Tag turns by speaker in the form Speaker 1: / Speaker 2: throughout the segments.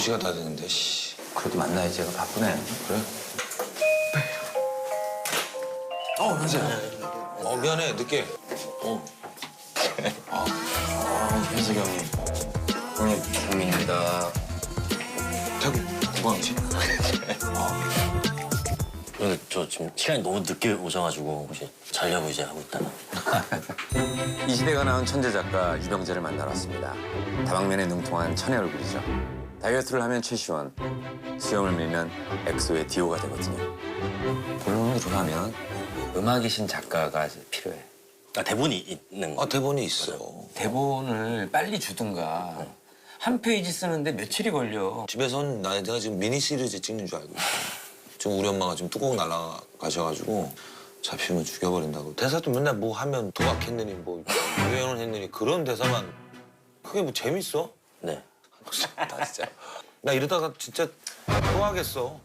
Speaker 1: 12시가 다 됐는데, 씨.
Speaker 2: 그래도 만나야지. 제가 바쁘네.
Speaker 1: 그래? 현수야. 미안해, 늦게.
Speaker 2: 현석이 형님. 오늘 경민입니다.
Speaker 1: 태국 구광지?
Speaker 3: 오늘 저 지금 시간이 너무 늦게 오셔가지고 혹시 자려고 이제 하고 있다가.
Speaker 2: 이 시대가 낳은 천재 작가 유병재를 만나러 왔습니다. 다방면에 능통한 천의 얼굴이죠. 다이어트를 하면 최시원, 수염을 밀면 엑소의 디오가 되거든요. 본론으로 가면 음악이신 작가가 필요해.
Speaker 3: 아, 대본이 있는 거.
Speaker 1: 대본이 있어.
Speaker 2: 대본을 빨리 주든가. 한 페이지 쓰는데 며칠이 걸려.
Speaker 1: 집에선 내가 지금 미니 시리즈 찍는 줄 알고 있어. 지금 우리 엄마가 지금 뚜껑 날아가셔가지고 잡히면 죽여버린다고. 대사도 맨날 뭐 하면 도박했느니 뭐 유행을 했느니 그런 대사만. 그게 뭐 재밌어?
Speaker 3: 네.
Speaker 1: 나 진짜. 나 이러다가 진짜 토하겠어.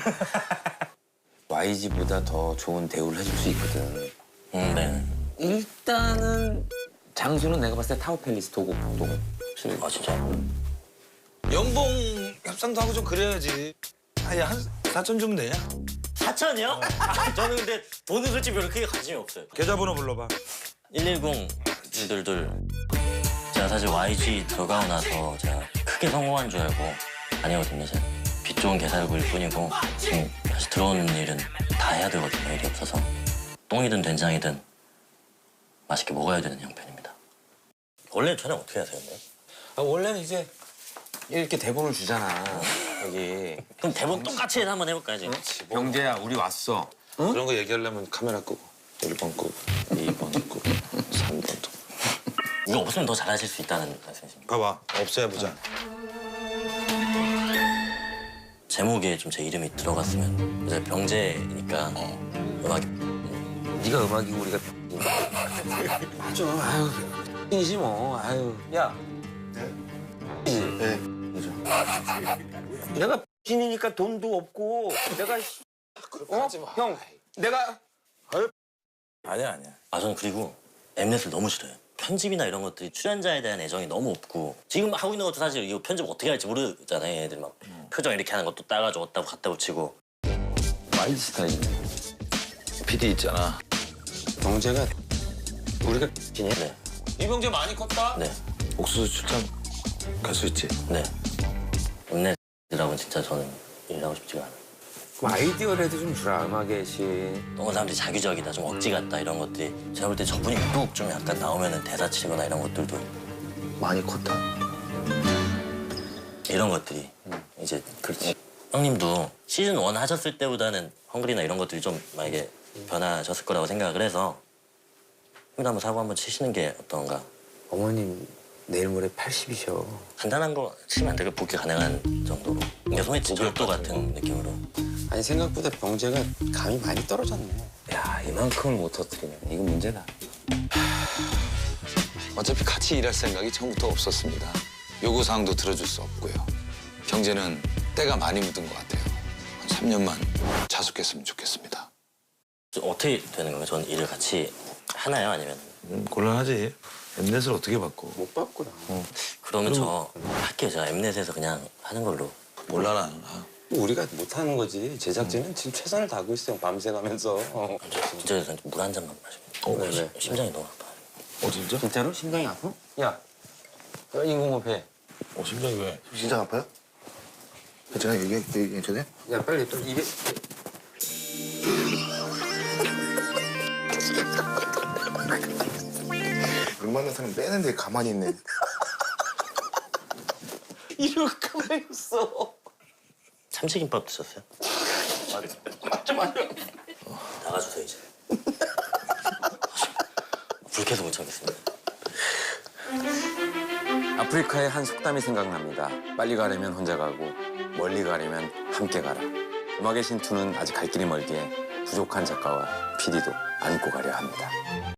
Speaker 2: YG보다 더 좋은 대우를 해줄 수 있거든.
Speaker 3: 네.
Speaker 2: 일단은 장소는 내가 봤을 때 타워팰리스 도곡.
Speaker 3: 아, 진짜?
Speaker 1: 연봉 협상도 하고 좀 그래야지. 아니 한 4천 주면 되냐?
Speaker 3: 4천이요? 저는 근데 돈은 솔직히 별로 크게 관심이 없어요.
Speaker 1: 계좌번호 불러봐.
Speaker 3: 110-222. 제가 사실 YG 들어가고 나서 제가 크게 성공한 줄 알고 아니거든요. 제가 빚 좋은 개살구일 뿐이고 지금 다시 들어오는 일은 다 해야 되거든요. 일이 없어서. 똥이든 된장이든 맛있게 먹어야 되는 형편입니다. 원래 촬영 어떻게 하세요? 근데?
Speaker 2: 원래는 이제 이렇게 대본을 주잖아. 여기.
Speaker 3: 그럼 대본 똑같이 해서 한번 해볼까요, 지금?
Speaker 2: 병재야, 우리 왔어.
Speaker 1: 그런 거 얘기하려면 카메라 끄고 1번 끄고 2번 끄고 3번 끄고.
Speaker 3: 이거 없으면 더 잘하실 수 있다는 말씀이십니까?
Speaker 1: 봐봐. 없애야 보자.
Speaker 3: 제목에 좀 제 이름이 들어갔으면 이제 병재니까 음악이
Speaker 2: 네가 음악이고 우리가 맞아. 아유, 이지 뭐. 아유. 야.
Speaker 4: 네.
Speaker 2: 내가 신이니까 돈도 없고 내가 형, 내가
Speaker 1: 아니야.
Speaker 3: 아, 저는 그리고 엠넷을 너무 싫어요. 편집이나 이런 것들이 출연자에 대한 애정이 너무 없고 지금 하고 있는 것도 사실 이거 편집 어떻게 할지 모르잖아요. 애들 막 표정 이렇게 하는 것도 따가지고 어디다고 갖다 붙이고.
Speaker 2: 와일드 스타일이네.
Speaker 1: PD 있잖아.
Speaker 2: 병재가 우리가
Speaker 3: 네,
Speaker 1: 이병재 많이 컸다.
Speaker 3: 네,
Speaker 1: 옥수수 출장 갈 수 있지?
Speaker 3: 네. 엠넷이라고는 진짜 저는 일하고 싶지가 않아요.
Speaker 2: 그럼 아이디어라도 좀 주라. 음악의 신.
Speaker 3: 너무 사람들이 자기적이다, 좀 억지 같다 이런 것들이 제가 볼 때 저분이 유독 좀 약간 나오면은 대사 치거나 이런 것들도
Speaker 4: 많이 컸다.
Speaker 3: 이런 것들이 이제 그렇지. 형님도 시즌 1 하셨을 때보다는 헝그리나 이런 것들이 좀 만약에 변하셨을 거라고 생각을 해서 형님도 한번 사고 한번 치시는 게 어떤가.
Speaker 2: 어머님 내일 모레 80이셔.
Speaker 3: 간단한 거 치면 안 되고 복귀 가능한 정도로. 그러니까 소매치 절도 같은 느낌으로.
Speaker 2: 아니 생각보다 병재가 감이 많이 떨어졌네. 야, 이만큼을 못 터뜨리네. 이거 문제다.
Speaker 1: 어차피 같이 일할 생각이 처음부터 없었습니다. 요구사항도 들어줄 수 없고요. 경제는 때가 많이 묻은 것 같아요. 한 3년만 자숙했으면 좋겠습니다.
Speaker 3: 어떻게 되는 건가요? 전 일을 같이 하나요? 아니면?
Speaker 1: 곤란하지. 엠넷을 어떻게 바꿔?
Speaker 2: 못 봤구나.
Speaker 3: 그러면 저 할게요. 제가 엠넷에서 그냥 하는 걸로.
Speaker 1: 몰라 나는.
Speaker 2: 우리가 못하는 거지. 제작진은 지금 최선을 다하고 있어요. 밤새 가면서.
Speaker 3: 진짜 물 한 잔만 마시면.
Speaker 2: 네.
Speaker 3: 심장이 너무 아파.
Speaker 1: 진짜?
Speaker 2: 진짜로? 심장이 아파? 야, 인공호흡해.
Speaker 1: 심장이 왜?
Speaker 4: 진짜 아파요? 괜찮아? 여기 괜찮아요?
Speaker 2: 야, 빨리 또 입에...
Speaker 4: 웬만한 사람 빼는데 가만히 있네.
Speaker 2: 이러고 가만히 있어.
Speaker 3: 참치김밥 드셨어요? 나가주세요 이제. 불쾌해서 못 참겠습니다.
Speaker 2: 아프리카의 한 속담이 생각납니다. 빨리 가려면 혼자 가고 멀리 가려면 함께 가라. 음악의 신투는 아직 갈 길이 멀기에 부족한 작가와 PD도 안고 가려 합니다.